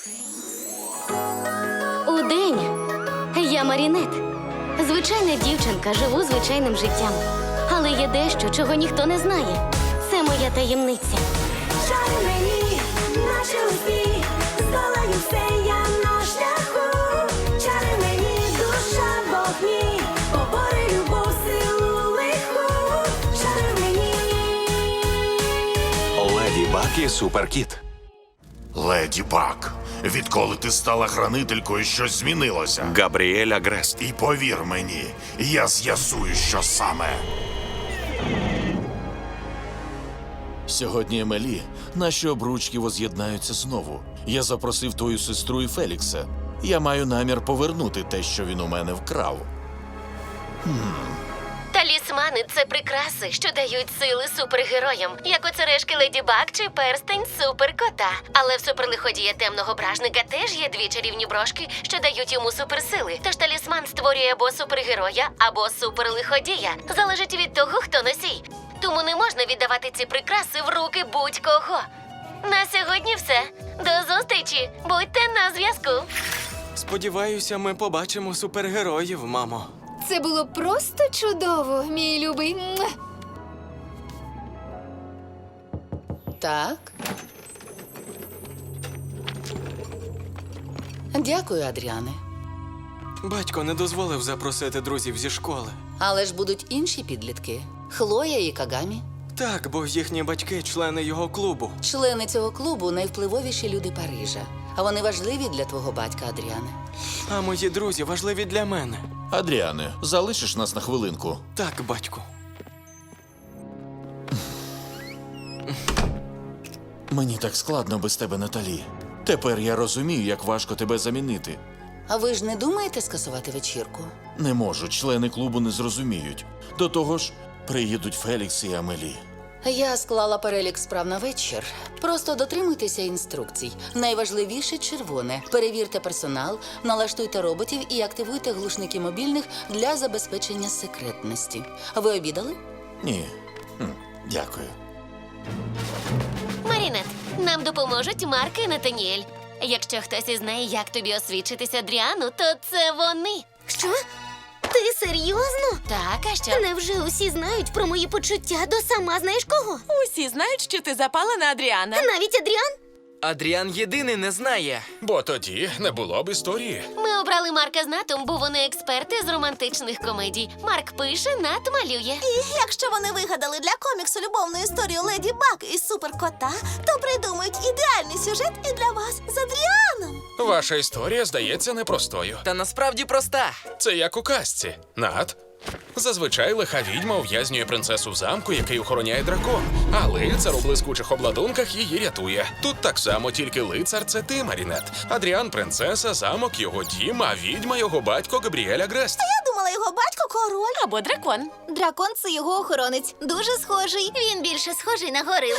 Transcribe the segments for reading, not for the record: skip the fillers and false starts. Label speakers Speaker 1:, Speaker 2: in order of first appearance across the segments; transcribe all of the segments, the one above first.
Speaker 1: Удень я Марінет. Звичайна дівчинка, живу звичайним життям. Але є дещо, чого ніхто не знає. Це моя таємниця.
Speaker 2: Шари мені, наші усі, здолаю все я на шляху. Чари мені, душа вогні, побори любов, силу лиху. Шари мені.
Speaker 3: Леді Баг і Суперкіт.
Speaker 4: Леді Баг, відколи ти стала хранителькою, щось змінилося.
Speaker 3: Габріель Агрест.
Speaker 4: І повір мені, я з'ясую, що саме.
Speaker 5: Сьогодні, Емелі, наші обручки воз'єднаються знову. Я запросив твою сестру і Фелікса. Я маю намір повернути те, що він у мене вкрав.
Speaker 1: Талісмани – це прикраси, що дають сили супергероям, як оцерешки Леді Баг чи перстень суперкота. Але в суперлиходія темного бражника теж є дві чарівні брошки, що дають йому суперсили. Тож талісман створює або супергероя, або суперлиходія. Залежить від того, хто носій. Тому не можна віддавати ці прикраси в руки будь-кого. На сьогодні все. До зустрічі! Будьте на зв'язку!
Speaker 6: Сподіваюся, ми побачимо супергероїв, мамо.
Speaker 7: Це було просто чудово, мій любий. Муа!
Speaker 8: Так. Дякую, Адріане.
Speaker 6: Батько не дозволив запросити друзів зі школи.
Speaker 8: Але ж будуть інші підлітки. Хлоя і Кагамі.
Speaker 6: Так, бо їхні батьки – члени його клубу.
Speaker 8: Члени цього клубу – найвпливовіші люди Парижа. А вони важливі для твого батька, Адріане.
Speaker 6: А мої друзі важливі для мене.
Speaker 5: Адріане, залишиш нас на хвилинку?
Speaker 6: Так, батьку.
Speaker 5: Мені так складно без тебе, Наталі. Тепер я розумію, як важко тебе замінити.
Speaker 8: А ви ж не думаєте скасувати вечірку?
Speaker 5: Не можу, члени клубу не зрозуміють. До того ж, приїдуть Фелікс і Амелі.
Speaker 8: Я склала перелік справ на вечір. Просто дотримуйтеся інструкцій. Найважливіше – червоне. Перевірте персонал, налаштуйте роботів і активуйте глушники мобільних для забезпечення секретності. Ви обідали?
Speaker 5: Ні. Дякую.
Speaker 1: Марінет, нам допоможуть Марк і Натаніель. Якщо хтось із неї, як тобі освідчитися Адріану, то це вони.
Speaker 9: Що? Ти серйозно?
Speaker 1: Так, а що?
Speaker 9: Невже усі знають про мої почуття до сама знаєш кого?
Speaker 10: Усі знають, що ти запала на Адріана.
Speaker 9: Навіть Адріан?
Speaker 6: Адріан єдиний не знає.
Speaker 5: Бо тоді не було б історії.
Speaker 1: Ми обрали Марка з Натом, бо вони експерти з романтичних комедій. Марк пише, Нат малює.
Speaker 9: І якщо вони вигадали для коміксу любовну історію Леді Баг і Суперкота, то придумають ідеальний сюжет і для вас з Адріаном.
Speaker 11: Ваша історія здається непростою.
Speaker 6: Та насправді проста.
Speaker 11: Це як у казці. Нат. Зазвичай лиха відьма ув'язнює принцесу в замку, який охороняє дракон. А лицар у блискучих обладунках її рятує. Тут так само, тільки лицар – це ти, Марінет. Адріан – принцеса, замок – його дім, а відьма – його батько Габріель Агрест.
Speaker 9: Я думала, його батько король.
Speaker 10: Або дракон.
Speaker 9: Дракон – це його охоронець. Дуже схожий. Він більше схожий на горилу.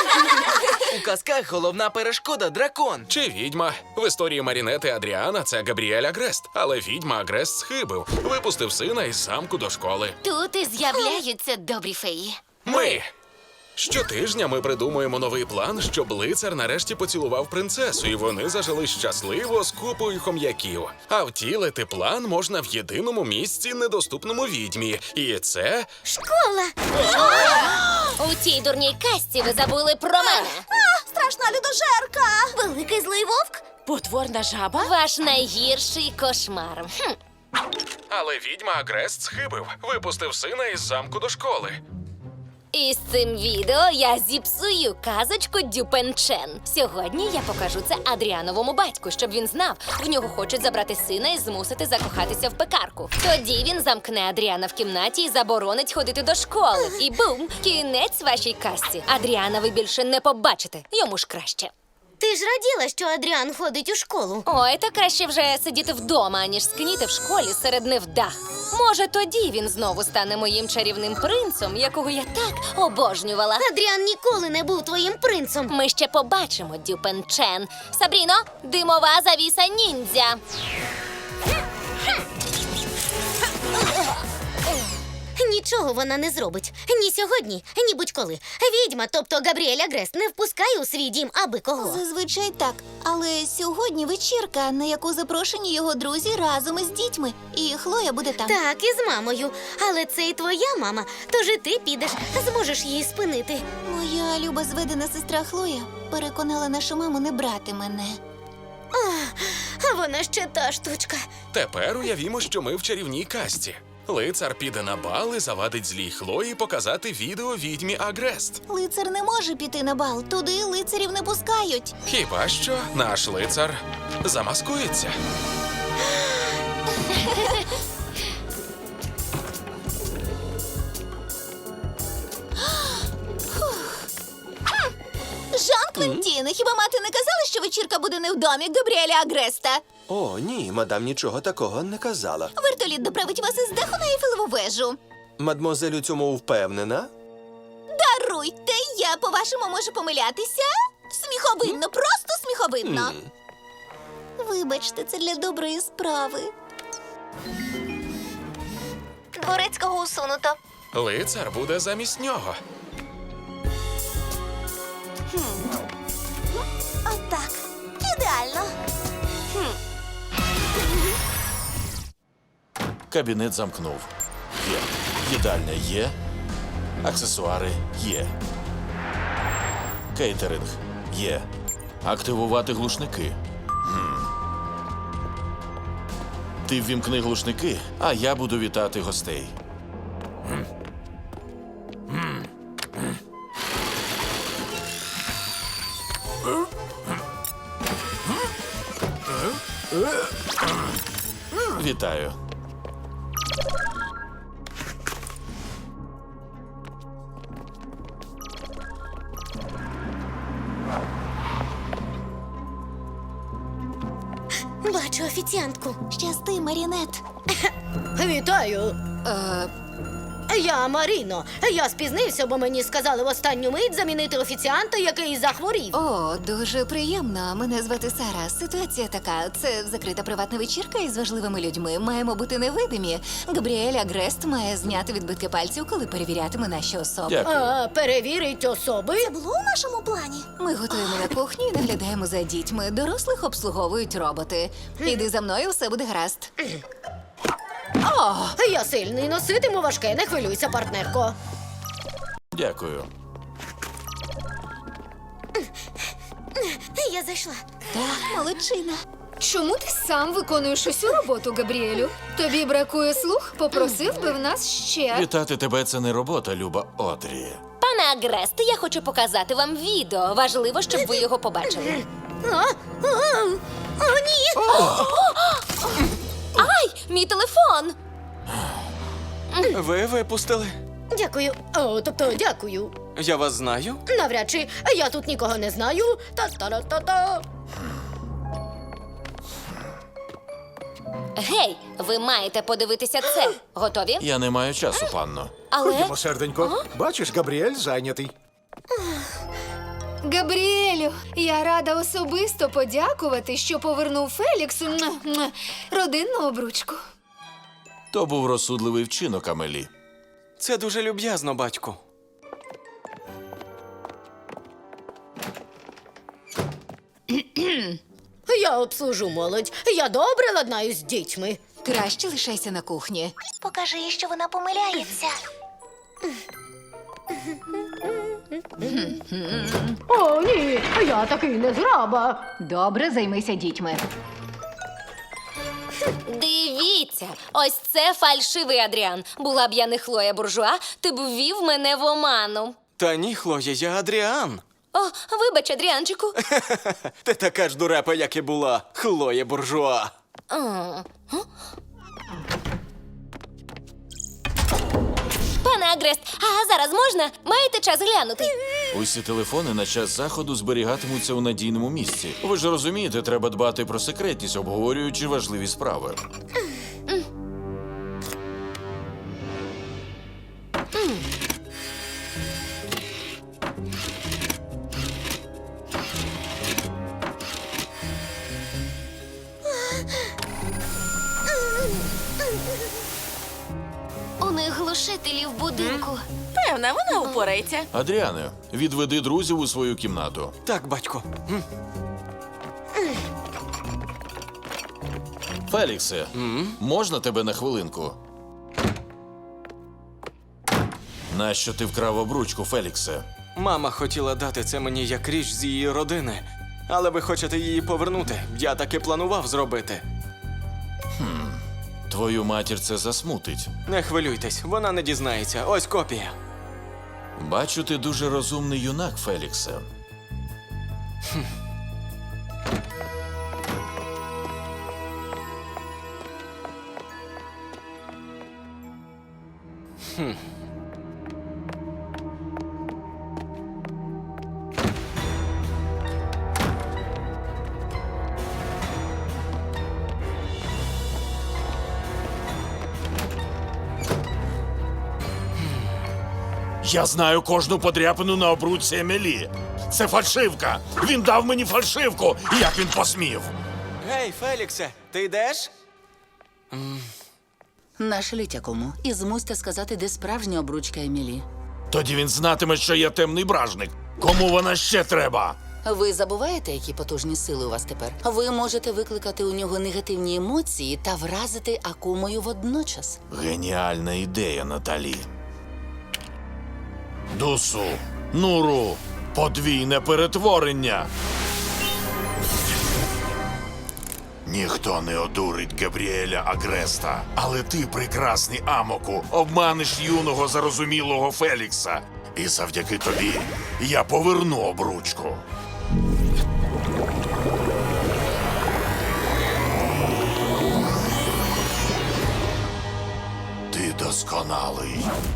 Speaker 6: У казках головна перешкода – дракон.
Speaker 11: Чи відьма. В історії Марінет і Адріана – це Габріель Агрест. Але відьма Агрест схибив. Випустив сина із замку до школи.
Speaker 1: Тут і з'являються добрі феї.
Speaker 11: Ми! Щотижня ми придумуємо новий план, щоб лицар нарешті поцілував принцесу, і вони зажили щасливо з купою хом'яків. А втілити план можна в єдиному місці, недоступному відьмі. І це...
Speaker 9: Школа!
Speaker 1: У цій дурній казці ви забули про мене.
Speaker 9: Страшна людожерка! Великий злий вовк?
Speaker 10: Потворна жаба?
Speaker 1: Ваш найгірший кошмар.
Speaker 11: Але відьма Агрест схибив. Випустив сина із замку до школи.
Speaker 1: І з цим відео я зіпсую казочку Дюпенчен. Сьогодні я покажу це Адріановому батьку, щоб він знав, в нього хочуть забрати сина і змусити закохатися в пекарку. Тоді він замкне Адріана в кімнаті і заборонить ходити до школи. І бум! Кінець вашій казці. Адріана ви більше не побачите. Йому ж краще.
Speaker 9: Ти ж раділа, що Адріан ходить у школу.
Speaker 1: Ой, та краще вже сидіти вдома, аніж скніти в школі серед невдах. Може, тоді він знову стане моїм чарівним принцем, якого я так обожнювала.
Speaker 9: Адріан ніколи не був твоїм принцем.
Speaker 1: Ми ще побачимо, Дюпенчен. Сабріно, димова завіса ніндзя. Нічого вона не зробить. Ні сьогодні, ні будь-коли. Відьма, тобто Габріель Агрест, не впускає у свій дім аби кого.
Speaker 9: Зазвичай так. Але сьогодні вечірка, на яку запрошені його друзі разом із дітьми. І Хлоя буде там.
Speaker 1: Так, і з мамою. Але це і твоя мама, тож і ти підеш, зможеш її спинити.
Speaker 9: Моя люба зведена сестра Хлоя переконала нашу маму не брати мене.
Speaker 1: А вона ще та штучка.
Speaker 11: Тепер уявімо, що ми в чарівній касті. Лицар піде на бал і завадить злій Хлої показати відео відьмі Агрест.
Speaker 9: Лицар не може піти на бал. Туди лицарів не пускають.
Speaker 11: Хіба що наш лицар замаскується.
Speaker 9: Жан-Квентін, хіба мати не казала, що вечірка буде не в домі Габріеля Агреста?
Speaker 12: О, ні, мадам нічого такого не казала.
Speaker 9: Вертоліт доправить вас із даху на Ейфелеву вежу.
Speaker 12: Мадмозель у цьому впевнена?
Speaker 9: Даруйте, я, по-вашому, можу помилятися? Сміховинно, просто сміховинно. Вибачте, це для доброї справи.
Speaker 1: Дворецького усунуто.
Speaker 11: Лицар буде замість нього.
Speaker 9: Отак. Ідеально.
Speaker 5: Кабінет замкнув. Є. Їдальня є. Аксесуари є. Кейтеринг є. Активувати глушники. Ти ввімкни глушники, а я буду вітати гостей. Вітаю.
Speaker 1: Бачу офіціантку.
Speaker 9: Щасти, Марінет.
Speaker 1: Вітаю. Я Маріно. Я спізнився, бо мені сказали в останню мить замінити офіціанта, який захворів.
Speaker 9: О, дуже приємно. Мене звати Сара. Ситуація така. Це закрита приватна вечірка із важливими людьми. Маємо бути невидимі. Габріель Агрест має зняти відбитки пальців, коли перевірятиме наші особи.
Speaker 5: Дякую.
Speaker 1: Перевірить особи.
Speaker 9: Це було у нашому плані. Ми готуємо на кухні і наглядаємо за дітьми. Дорослих обслуговують роботи. Іди за мною, все буде гаразд.
Speaker 1: Я сильний, носитиму важке, не хвилюйся, партнерко.
Speaker 5: Дякую.
Speaker 1: Я зайшла.
Speaker 9: Так, молодчина.
Speaker 7: Чому ти сам виконуєш усю роботу, Габріелю? Тобі бракує слух? Попросив би в нас ще.
Speaker 5: Вітати тебе – це не робота, люба Одрі.
Speaker 1: Пане Агрест, я хочу показати вам відео. Важливо, щоб ви його побачили. О, ні! Ай, мій телефон!
Speaker 6: Ви випустили?
Speaker 1: Дякую. Тобто, дякую.
Speaker 6: Я вас знаю?
Speaker 1: Навряд чи я тут нікого не знаю. Та-та-та-та-та. Гей, ви маєте подивитися це. Готові?
Speaker 5: Я не маю часу, панно.
Speaker 1: Але
Speaker 13: Ходімо, серденько. Бачиш, Габріель зайнятий.
Speaker 7: Габріелю, я рада особисто подякувати, що повернув Феліксу родинну обручку.
Speaker 5: То був розсудливий вчинок, Амелі.
Speaker 6: Це дуже люб'язно, батьку.
Speaker 1: я обслужу молодь. Я добре ладнаюсь з дітьми.
Speaker 9: Краще лишайся на кухні.
Speaker 1: Покажи їй, що вона помиляється. О, ні, я такий не зраба.
Speaker 9: Добре, займися дітьми.
Speaker 1: Дивіться, ось це фальшивий Адріан. Була б я не Хлоя Буржуа, ти б ввів мене в оману.
Speaker 6: Та ні, Хлоя, я Адріан.
Speaker 1: О, вибач, Адріанчику.
Speaker 6: Ти така ж дурепа, як і була, Хлоя Буржуа.
Speaker 1: Пане Агрест, а зараз можна? Маєте час глянути?
Speaker 5: Усі телефони на час заходу зберігатимуться у надійному місці. Ви ж розумієте, треба дбати про секретність, обговорюючи важливі справи.
Speaker 1: У них глушителі в будинку.
Speaker 10: Певна, вона упорається.
Speaker 5: Адріане, відведи друзів у свою кімнату.
Speaker 6: Так, батько.
Speaker 5: Феліксе, можна тебе на хвилинку? Нащо ти вкрав обручку, Феліксе?
Speaker 6: Мама хотіла дати це мені як річ з її родини. Але ви хочете її повернути. Я таки планував зробити.
Speaker 5: Твою матір це засмутить.
Speaker 6: Не хвилюйтесь, вона не дізнається. Ось копія.
Speaker 5: Бачу, ти дуже розумний юнак, Феліксе. Я знаю кожну подряпину на обручці Емілі. Це фальшивка. Він дав мені фальшивку. Як він посмів?
Speaker 6: Гей, Феліксе, ти йдеш?
Speaker 8: Нашліть якому і змусьте сказати, де справжня обручка Емілі.
Speaker 5: Тоді він знатиме, що я темний бражник. Кому вона ще треба?
Speaker 8: Ви забуваєте, які потужні сили у вас тепер? Ви можете викликати у нього негативні емоції та вразити Акумою водночас.
Speaker 5: Геніальна ідея, Наталі. Дусу, Нуру, подвійне перетворення. Ніхто не одурить Габріеля Агреста. Але ти, прекрасний Амоку, обманеш юного зарозумілого Фелікса. І завдяки тобі я поверну обручку. Ти досконалий.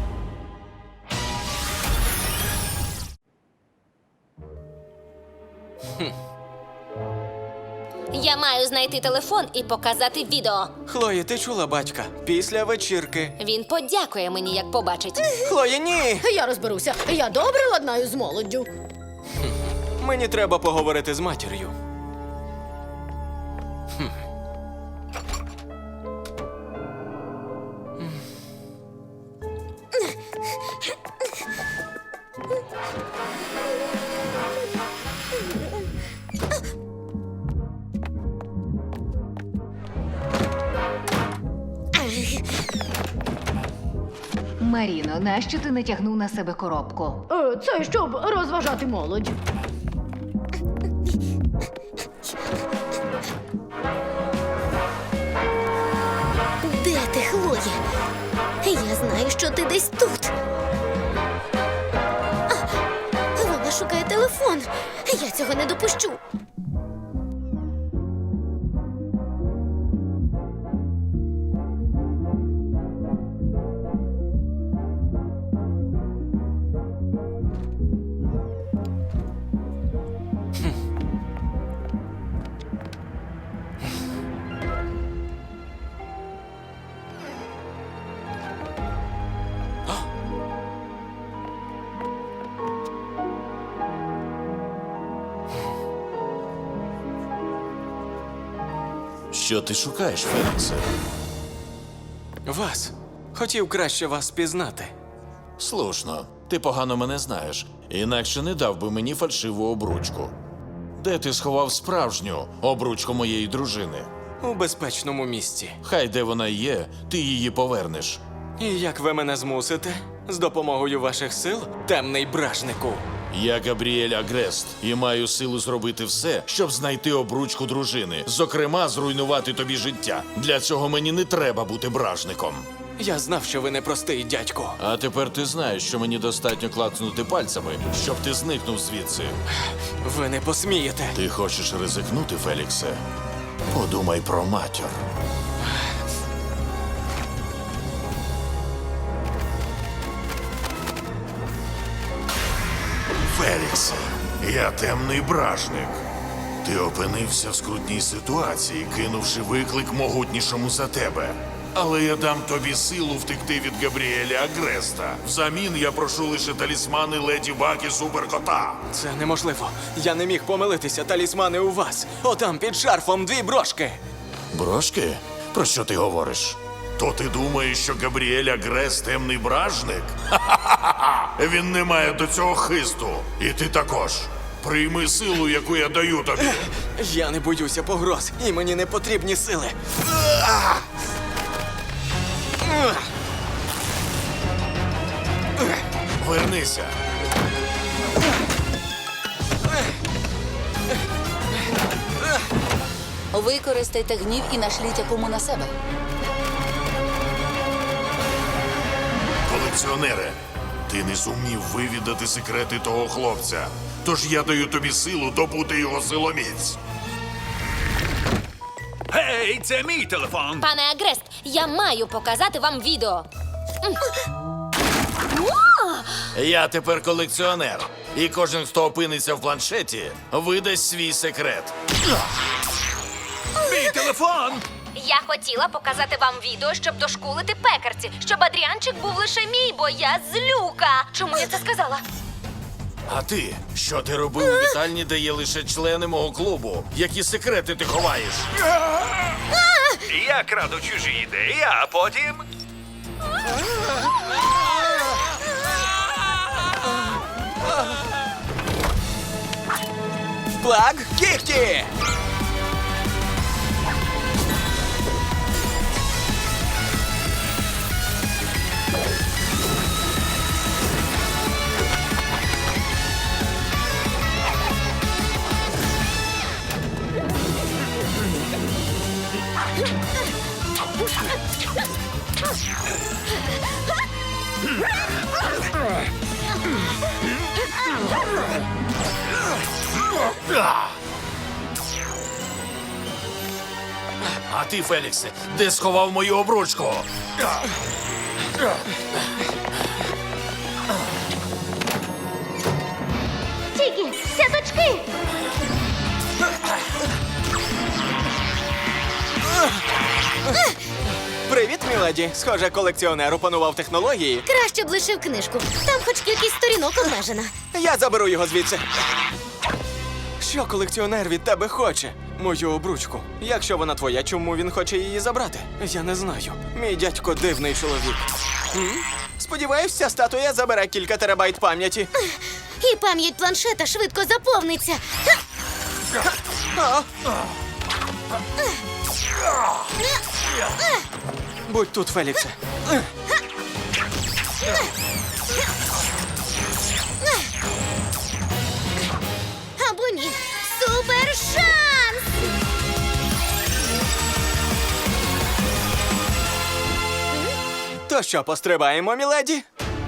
Speaker 1: Я маю знайти телефон і показати відео.
Speaker 6: Хлої, ти чула батька? Після вечірки.
Speaker 1: Він подякує мені, як побачить.
Speaker 6: Хлої, ні!
Speaker 10: Я розберуся. Я добре ладнаю з молоддю.
Speaker 6: Мені треба поговорити з матір'ю.
Speaker 9: Маріно, нащо ти натягнув на себе коробку?
Speaker 10: Це щоб розважати молодь.
Speaker 1: Де ти, Хлоє? Я знаю, що ти десь тут. Вона шукає телефон. Я цього не допущу.
Speaker 5: Що ти шукаєш, Феліксе?
Speaker 6: Вас. Хотів краще вас пізнати.
Speaker 5: Слушно, ти погано мене знаєш, інакше не дав би мені фальшиву обручку. Де ти сховав справжню обручку моєї дружини?
Speaker 6: У безпечному місці.
Speaker 5: Хай де вона є, ти її повернеш.
Speaker 6: І як ви мене змусите? З допомогою ваших сил, темний бражнику.
Speaker 5: Я Габріель Агрест і маю силу зробити все, щоб знайти обручку дружини. Зокрема, зруйнувати тобі життя. Для цього мені не треба бути бражником.
Speaker 6: Я знав, що ви непростий дядько.
Speaker 5: А тепер ти знаєш, що мені достатньо клацнути пальцями, щоб ти зникнув звідси.
Speaker 6: Ви не посмієте.
Speaker 5: Ти хочеш ризикнути, Феліксе? Подумай про матір. Феліксе, я темний бражник. Ти опинився в скрутній ситуації, кинувши виклик могутнішому за тебе. Але я дам тобі силу втекти від Габріеля Агреста. Взамін я прошу лише талісмани Леді Баг і Суперкота.
Speaker 6: Це неможливо. Я не міг помилитися. Талісмани у вас. Отам під шарфом 2 брошки.
Speaker 5: Брошки? Про що ти говориш? То ти думаєш, що Габріель Агрес темний бражник? Ха-ха-ха! Він не має до цього хисту. І ти також. Прийми силу, яку я даю тобі.
Speaker 6: Я не боюся погроз, і мені не потрібні сили.
Speaker 5: Вернися.
Speaker 8: Використайте гнів і нашліть якому на себе.
Speaker 5: Колекціонере, ти не зумів вивідати секрети того хлопця. Тож я даю тобі силу добути його силоміць.
Speaker 14: Гей, це мій телефон.
Speaker 1: Пане Агрест, я маю показати вам відео.
Speaker 5: Я тепер колекціонер. І кожен, хто опиниться в планшеті, видасть свій секрет.
Speaker 14: Мій телефон!
Speaker 1: Я хотіла показати вам відео, щоб дошкулити пекарці, щоб Адріанчик був лише мій, бо я злюка. Чому я це сказала?
Speaker 5: А ти? Що ти робив у вітальні, де є лише члени мого клубу? Які секрети ти ховаєш?
Speaker 14: Я краду чужі ідеї, а потім...
Speaker 6: Плаг кіхті!
Speaker 5: А ти, Феліксе, де сховав мою обручку?
Speaker 1: Тільки, сяточки!
Speaker 6: Привіт, міледі. Схоже, колекціонер опанував технології.
Speaker 1: Краще б лишив книжку. Там хоч кількість сторінок обмежена.
Speaker 6: Я заберу його звідси. Що колекціонер від тебе хоче? Мою обручку. Якщо вона твоя, чому він хоче її забрати? Я не знаю. Мій дядько дивний чоловік. Сподіваюсь, ця статуя забере кілька терабайт пам'яті.
Speaker 1: І пам'ять планшета швидко заповниться.
Speaker 6: Будь тут, Феліксе.
Speaker 1: Або ні. Супер шанс!
Speaker 6: То що, пострибаємо, міледі?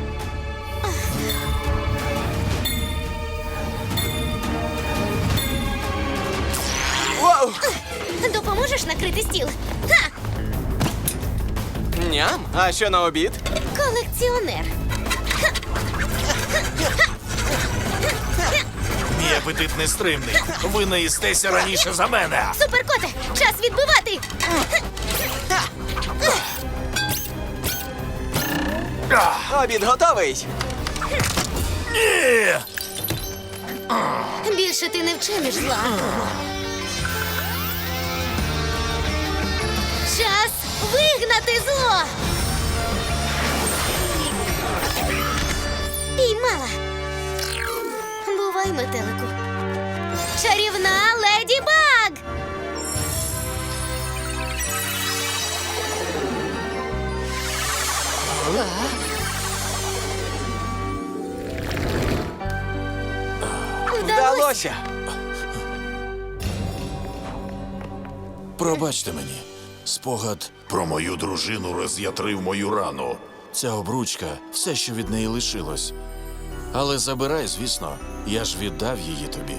Speaker 6: Воу!
Speaker 1: Допоможеш накрити стіл? Ха!
Speaker 6: Ням, а що на обід?
Speaker 1: Колекціонер.
Speaker 5: Мій апетит нестримний. Ви наїстеся раніше за мене.
Speaker 1: Суперкоте, час відбивати!
Speaker 6: Обід готовий.
Speaker 5: Ні!
Speaker 1: Більше ти не вчиниш зла. Час вигнати зло! Піймала. Бувай, метелику. Чарівна Леді Баг!
Speaker 6: Вдалося.
Speaker 5: Пробачте мені. Спогад про мою дружину роз'ятрив мою рану. Ця обручка – все, що від неї лишилось. Але забирай, звісно, я ж віддав її тобі.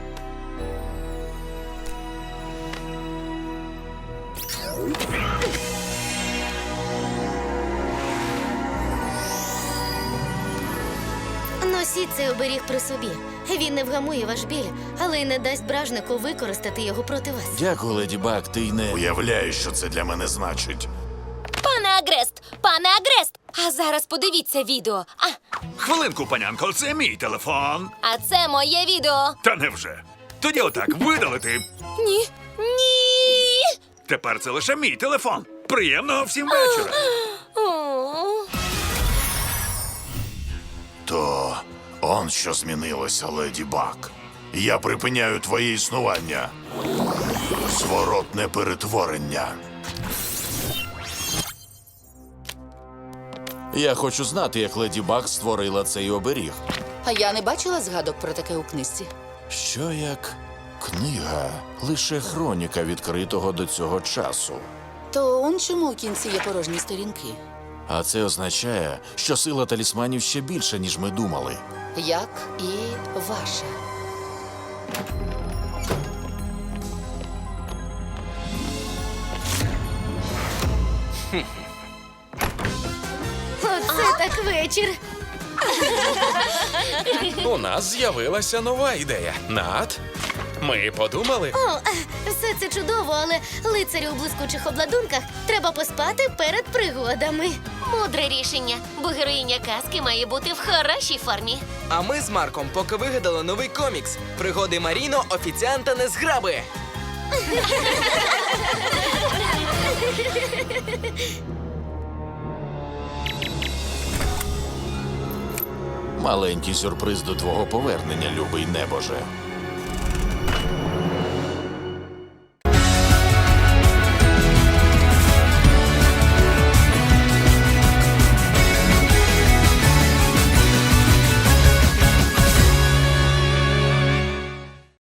Speaker 1: Носіть цей оберіг при собі. Він не вгамує ваш біль, але й не дасть бражнику використати його проти вас.
Speaker 5: Дякую, Леді Баг, ти й не уявляєш, що це для мене значить.
Speaker 1: Пане Агрест! Пане Агрест! А зараз подивіться відео.
Speaker 14: Хвилинку, панянко, це мій телефон.
Speaker 1: А це моє відео.
Speaker 14: Та невже? Тоді отак видалити.
Speaker 1: Ні. Ні!
Speaker 14: Тепер це лише мій телефон. Приємного всім вечора.
Speaker 5: То он що змінилося, Леді Баг. Я припиняю твоє існування. Зворотне перетворення. Я хочу знати, як Леді Баг створила цей оберіг.
Speaker 8: А я не бачила згадок про таке у книжці.
Speaker 5: Що як книга лише хроніка відкритого до цього часу.
Speaker 8: То он чому у кінці є порожні сторінки?
Speaker 5: А це означає, що сила талісманів ще більша, ніж ми думали.
Speaker 8: Як і ваша.
Speaker 1: Оце так вечір.
Speaker 11: У нас з'явилася нова ідея. Нат, ми подумали.
Speaker 1: О, все це чудово, але лицарю у блискучих обладунках треба поспати перед пригодами. Мудре рішення, бо героїня казки має бути в хорошій формі.
Speaker 6: А ми з Марком поки вигадали новий комікс «Пригоди Маріно, офіціанта незграби».
Speaker 5: Маленький сюрприз до твого повернення, любий небоже.